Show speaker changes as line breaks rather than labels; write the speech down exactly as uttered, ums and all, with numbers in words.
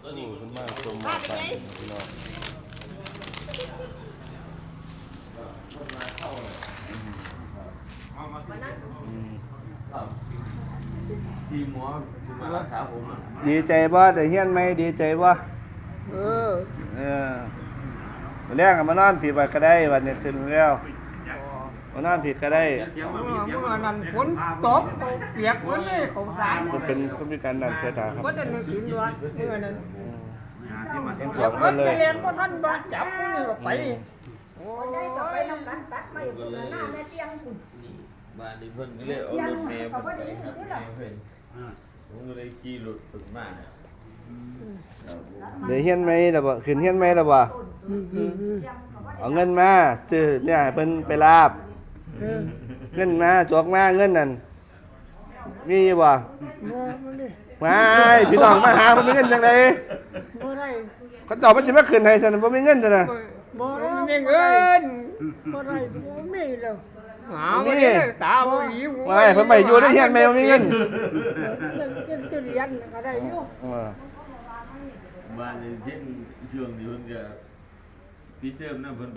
โอ้คุณมากชมหมอกกันพี่น้องทีมหมอที่มารักษาผมดีใจบ่ได้เฮียนไหมดีใจบ่เออเออแรกมานอนผีบัดก็ได้วันนี้ขึ้นแล้วมานอนผีก็ได้
เมื่อนั้นฝนตกเปียกฝนเลยเขาสาร
จะเป็นคนพิการดันเชื้อตาครับ
ก็จะนึกถึงด้วยเมื่อนั้น
ทั้งสองคนเลย
เรียนก็ท่านบาดจับนี่ไป
โอ้ยก็ไปทำกันตัดไม่คนหน้าแม่เตียงคุณ
บ้านนี้เพิ่นก็เลยเอารถเมล์ไปครับเมล์เพิ่นผมก็เลยขี่รถถึงมา
เดี๋ยวเฮียนไหมล่ะบ่ขึ้นเฮียนไหมล่ะบ่เอาเงินมาซื้อเนี่ยเพิ่นไปลาบเงินมาจกมาเงินนั่นมีบ่มาพี่น้องมาหาบ่มีเงินจังได๋
บ่ได้
เขาตอบมันสิมาขึ้นให้ซั่นบ่มีเงินซั่นน่ะ
บ่มีเงินบ่ได้บ่มีแล้วหาบ่ได้ตาบ่หิว
ไม่เพิ่นไปอยู่ในเฮียนแม่บ่มีเงิน
เงินจะเรียนก็ได้อยู่
บ้านนี้เช่นช่วงนี้เพิ่นก็พี่เติมนะเพิ่น